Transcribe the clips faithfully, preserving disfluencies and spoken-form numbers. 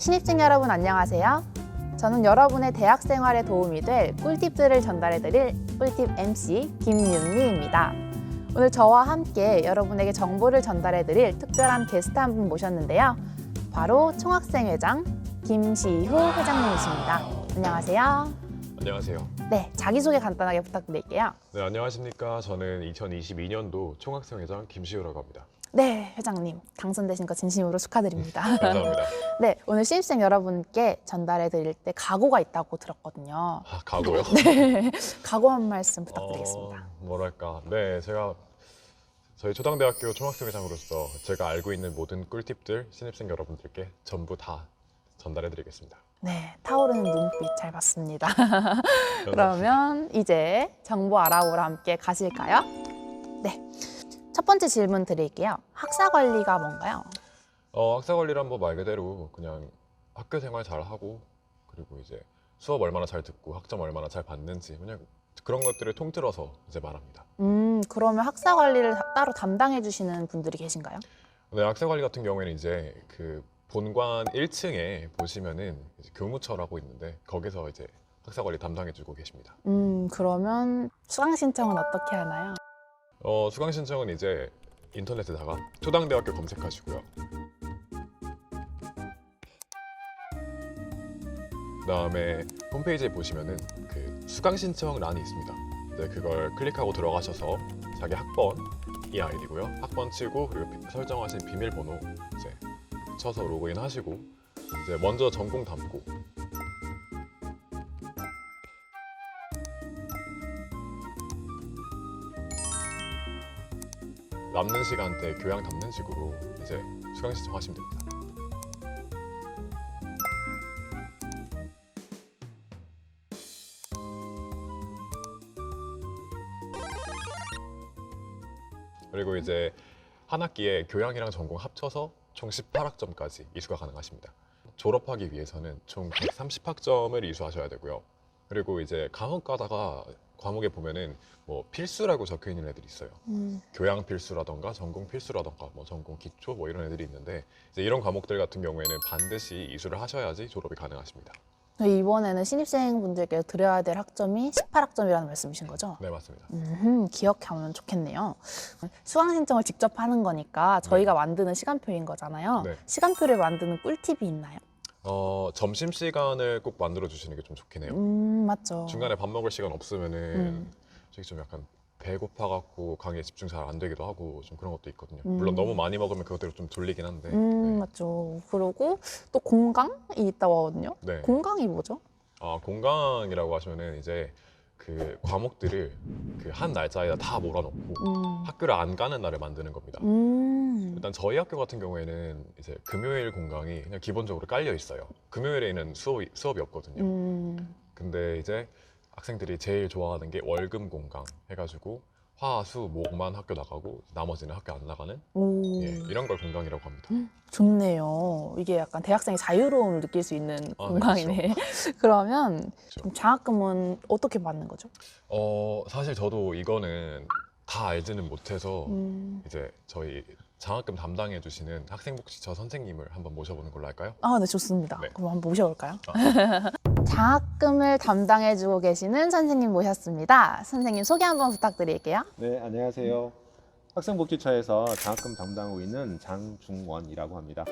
신입생 여러분 안녕하세요. 저는 여러분의 대학 생활에 도움이 될 꿀팁들을 전달해드릴 꿀팁 엠씨 김윤미입니다. 오늘 저와 함께 여러분에게 정보를 전달해드릴 특별한 게스트 한 분 모셨는데요. 바로 총학생회장 김시후 회장님이십니다. 안녕하세요. 안녕하세요. 네, 자기소개 간단하게 부탁드릴게요. 네, 안녕하십니까. 저는 이천이십이 년도 총학생회장 김시우라고 합니다. 네, 회장님 당선되신 거 진심으로 축하드립니다. 감사합니다. 네, 오늘 신입생 여러분께 전달해 드릴 때 각오가 있다고 들었거든요. 아, 각오요? 네, 각오 한 말씀 부탁드리겠습니다. 어, 뭐랄까. 네, 제가 저희 초당대학교 총학생회장으로서 제가 알고 있는 모든 꿀팁들 신입생 여러분들께 전부 다 전달해 드리겠습니다. 네, 타오르는 눈빛 잘 봤습니다. 그러면 이제 정보 알아보러 함께 가실까요? 네, 첫 번째 질문 드릴게요. 학사 관리가 뭔가요? 어, 학사 관리란 뭐 말 그대로 그냥 학교 생활 잘 하고 그리고 이제 수업 얼마나 잘 듣고 학점 얼마나 잘 받는지 그냥 그런 것들을 통틀어서 이제 말합니다. 음, 그러면 학사 관리를 다- 따로 담당해 주시는 분들이 계신가요? 네, 학사 관리 같은 경우에는 이제 그 본관 일 층에 보시면은 이제 교무처라고 있는데 거기서 이제 학사 관리 담당해주고 계십니다. 음, 그러면 수강 신청은 어떻게 하나요? 어, 수강 신청은 이제 인터넷에다가 초당대학교 검색하시고요. 그다음에 홈페이지에 보시면은 그 수강 신청 란이 있습니다. 네, 그걸 클릭하고 들어가셔서 자기 학번이 아이디고요. 학번 치고 그리고 비- 설정하신 비밀번호 이제 쳐서 로그인 하시고 이제 먼저 전공 담고 남는 시간대 교양 담는 식으로 이제 수강 신청하시면 됩니다. 그리고 이제 한 학기에 교양이랑 전공 합쳐서 총 십팔 학점까지 이수가 가능하십니다. 졸업하기 위해서는 총 백삼십 학점을 이수하셔야 되고요. 그리고 이제 과목 가다가 과목에 보면은 뭐 필수라고 적혀 있는 애들이 있어요. 음, 교양 필수라던가 전공 필수라던가 뭐 전공 기초 뭐 이런 애들이 있는데 이제 이런 과목들 같은 경우에는 반드시 이수를 하셔야지 졸업이 가능하십니다. 이번에는 신입생분들께 드려야 될 학점이 십팔 학점이라는 말씀이신 거죠? 네, 맞습니다. 음, 기억하면 좋겠네요. 수강 신청을 직접 하는 거니까 저희가 만드는 시간표인 거잖아요. 네. 시간표를 만드는 꿀팁이 있나요? 어, 점심 시간을 꼭 만들어 주시는 게 좀 좋긴 해요. 음, 맞죠. 중간에 밥 먹을 시간 없으면은 음. 솔직히 좀 약간 배고파 갖고 강의에 집중 잘 안 되기도 하고 좀 그런 것도 있거든요. 음. 물론 너무 많이 먹으면 그것대로 좀 졸리긴 한데. 음, 네. 맞죠. 그리고 또 공강이 있다고 하거든요. 네. 공강이 뭐죠? 아, 공강이라고 하시면은 이제 그 과목들을 그 한 날짜에다 다 몰아놓고 음. 학교를 안 가는 날을 만드는 겁니다. 음. 일단 저희 학교 같은 경우에는 이제 금요일 공강이 그냥 기본적으로 깔려 있어요. 금요일에는 수업이, 수업이 없거든요. 음. 근데 이제 학생들이 제일 좋아하는 게 월금 공강 해가지고 화, 수, 목만 학교 나가고 나머지는 학교 안 나가는 오. 예, 이런 걸 공강이라고 합니다. 좋네요. 이게 약간 대학생의 자유로움을 느낄 수 있는 아, 네, 공강이네. 그러면 그렇죠. 그럼 장학금은 어떻게 받는 거죠? 어, 사실 저도 이거는 다 알지는 못해서 음. 이제 저희 장학금 담당해 주시는 학생복지처 선생님을 한번 모셔보는 걸로 할까요? 아, 네, 좋습니다. 네. 그럼 한번 모셔볼까요? 아. 장학금을 담당해주고 계시는 선생님 모셨습니다. 선생님 소개 한번 부탁드릴게요. 네, 안녕하세요. 학생복지처에서 장학금 담당하고 있는 장중원이라고 합니다.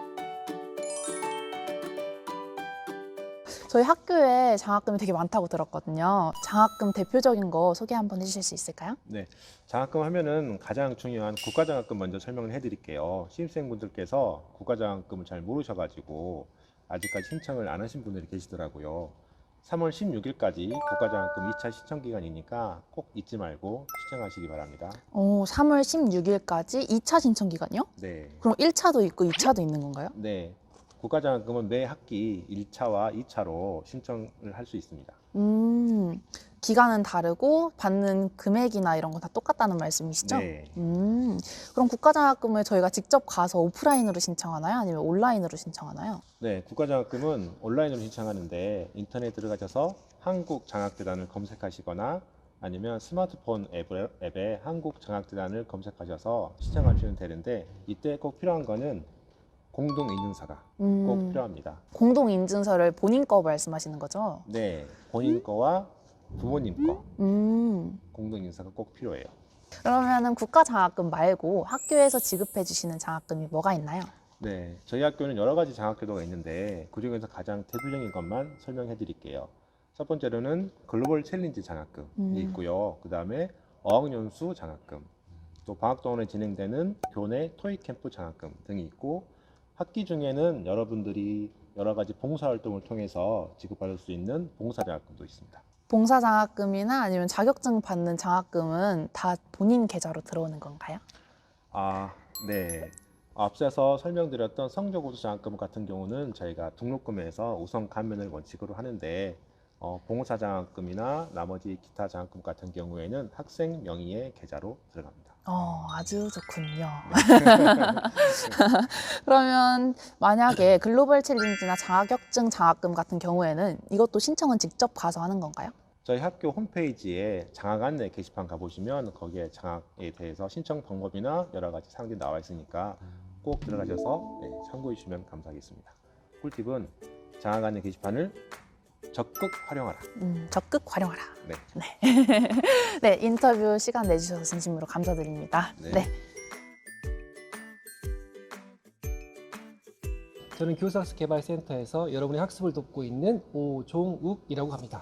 저희 학교에 장학금이 되게 많다고 들었거든요. 장학금 대표적인 거 소개 한번 해주실 수 있을까요? 네, 장학금 하면은 가장 중요한 국가장학금 먼저 설명을 해드릴게요. 신입생분들께서 국가장학금을 잘 모르셔가지고 아직까지 신청을 안 하신 분들이 계시더라고요. 삼월 십육일까지 국가장학금 이 차 신청 기간이니까 꼭 잊지 말고 신청하시기 바랍니다. 오, 삼월 십육일까지 이 차 신청 기간이요? 네, 그럼 일 차도 있고 이 차도 있는 건가요? 네. 국가장학금은 매 학기 일 차와 이 차로 신청을 할 수 있습니다. 음, 기간은 다르고 받는 금액이나 이런 건 다 똑같다는 말씀이시죠? 네. 음, 그럼 국가장학금을 저희가 직접 가서 오프라인으로 신청하나요? 아니면 온라인으로 신청하나요? 네, 국가장학금은 온라인으로 신청하는데 인터넷 들어가셔서 한국장학재단을 검색하시거나 아니면 스마트폰 앱에, 앱에 한국장학재단을 검색하셔서 신청하시면 되는데 이때 꼭 필요한 거는 공동 인증서가 음, 꼭 필요합니다. 공동 인증서를 본인 거 말씀하시는 거죠? 네, 본인 거와 부모님 거 음, 공동 인증서가 꼭 필요해요. 그러면은 국가 장학금 말고 학교에서 지급해 주시는 장학금이 뭐가 있나요? 네, 저희 학교는 여러 가지 장학제도가 있는데 그중에서 가장 대표적인 것만 설명해 드릴게요. 첫 번째로는 글로벌 챌린지 장학금이 음. 있고요. 그 다음에 어학연수 장학금, 또 방학동안에 진행되는 교내 토익 캠프 장학금 등이 있고, 학기 중에는 여러분들이 여러 가지 봉사활동을 통해서 지급받을 수 있는 봉사장학금도 있습니다. 봉사 장학금이나 아니면 자격증 받는 장학금은 다 본인 계좌로 들어오는 건가요? 아, 네. 앞서서 설명드렸던 성적우수 장학금 같은 경우는 저희가 등록금에서 우선 감면을 원칙으로 하는데, 어, 봉사장학금이나 나머지 기타 장학금 같은 경우에는 학생 명의의 계좌로 들어갑니다. 어, 아주 좋군요. 그러면 만약에 글로벌 챌린지나 자격증 장학금 같은 경우에는 이것도 신청은 직접 가서 하는 건가요? 저희 학교 홈페이지에 장학 안내 게시판 가보시면 거기에 장학에 대해서 신청 방법이나 여러 가지 사항들이 나와 있으니까 꼭 들어가셔서 네, 참고해 주시면 감사하겠습니다. 꿀팁은 장학 안내 게시판을 적극 활용하라. 음, 적극 활용하라. 네. 네. 네, 인터뷰 시간 내주셔서 진심으로 감사드립니다. 네. 네. 저는 교수학습개발센터에서 여러분의 학습을 돕고 있는 오종욱이라고 합니다.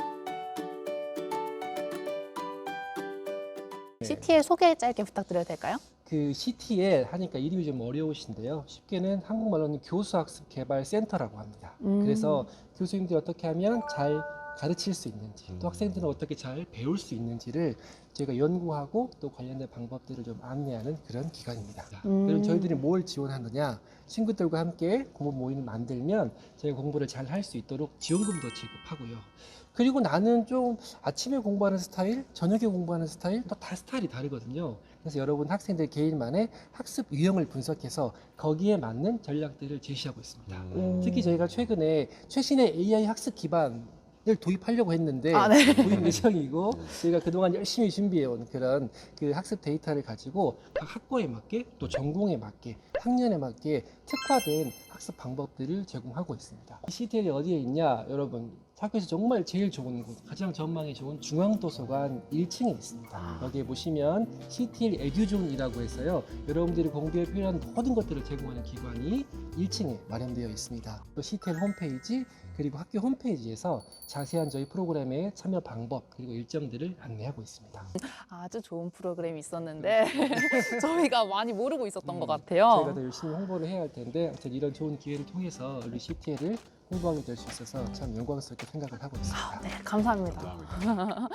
씨티엘 소개 짧게 부탁드려도 될까요? 그 씨티엘 하니까 이름이 좀 어려우신데요. 쉽게는 한국말로는 교수학습개발센터라고 합니다. 음. 그래서 교수님들이 어떻게 하면 잘 가르칠 수 있는지, 또 학생들은 어떻게 잘 배울 수 있는지를 저희가 연구하고 또 관련된 방법들을 좀 안내하는 그런 기관입니다. 음. 그럼 저희들이 뭘 지원하느냐? 친구들과 함께 공부 모임을 만들면 저희가 공부를 잘 할 수 있도록 지원금도 지급하고요. 그리고 나는 좀 아침에 공부하는 스타일, 저녁에 공부하는 스타일, 또 다 스타일이 다르거든요. 그래서 여러분 학생들 개인만의 학습 유형을 분석해서 거기에 맞는 전략들을 제시하고 있습니다. 음. 특히 저희가 최근에 최신의 에이아이 학습 기반을 도입하려고 했는데 아, 네. 도입 예정이고, 저희가 그동안 열심히 준비해온 그런 그 학습 데이터를 가지고 각 학과에 맞게 또 전공에 맞게 학년에 맞게 특화된 학습 방법들을 제공하고 있습니다. 씨티엘이 어디에 있냐? 여러분, 학교에서 정말 제일 좋은 곳, 가장 전망이 좋은 중앙도서관 일 층에 있습니다. 여기에 보시면 씨티엘 에듀존이라고 해서요, 여러분들이 공부에 필요한 모든 것들을 제공하는 기관이 일 층에 마련되어 있습니다. 또 씨티엘 홈페이지, 그리고 학교 홈페이지에서 자세한 저희 프로그램의 참여 방법 그리고 일정들을 안내하고 있습니다. 아주 좋은 프로그램이 있었는데 저희가 많이 모르고 있었던 음, 것 같아요. 저희가 더 열심히 홍보를 해야 할 텐데, 아무튼 이런 좋은 기회를 통해서 우리 씨티엘을 홍보하게 될 수 있어서 참 영광스럽게 생각을 하고 있습니다. 네, 감사합니다. 감사합니다.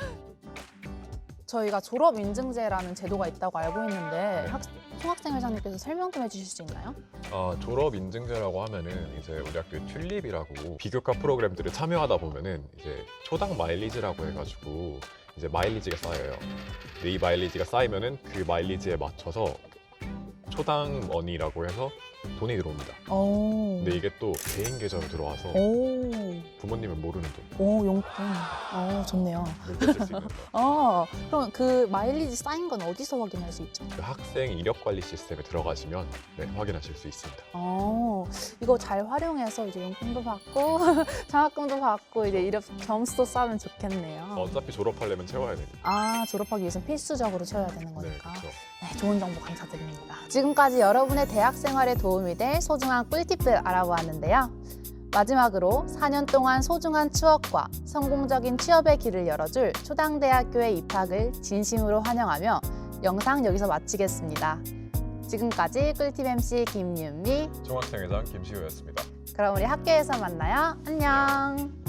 저희가 졸업 인증제라는 제도가 있다고 알고 있는데 학, 총학생 회장님께서 설명 좀 해주실 수 있나요? 어, 졸업 인증제라고 하면은 이제 우리 학교 튤립이라고 비교과 프로그램들을 참여하다 보면은 이제 초당 마일리지라고 해가지고 이제 마일리지가 쌓여요. 근데 이 마일리지가 쌓이면은 그 마일리지에 맞춰서 초당 머니라고 해서 돈이 들어옵니다. 오. 근데 이게 또 개인 계좌로 들어와서 오. 부모님은 모르는 돈, 오, 용돈. 어, 좋네요. 물게 쓸 수 있는 돈. 어, 그럼 그 마일리지 쌓인 건 어디서 확인할 수 있죠? 그 학생 이력 관리 시스템에 들어가시면 네, 확인하실 수 있습니다. 어, 이거 잘 활용해서 이제 용돈도 받고 장학금도 받고 이제 이력 점수도 쌓으면 좋겠네요. 어차피 졸업하려면 채워야 되니까. 아, 졸업하기 위해서는 필수적으로 채워야 되는 네, 거니까. 그렇죠. 네, 좋은 정보 감사드립니다. 지금까지 여러분의 대학 생활에 도움이 될 소중한 꿀팁들 알아보았는데요. 마지막으로 사 년 동안 소중한 추억과 성공적인 취업의 길을 열어줄 초당대학교의 입학을 진심으로 환영하며 영상 여기서 마치겠습니다. 지금까지 꿀팁 엠씨 김윤미, 총학생회장 김시우였습니다. 그럼 우리 학교에서 만나요. 안녕.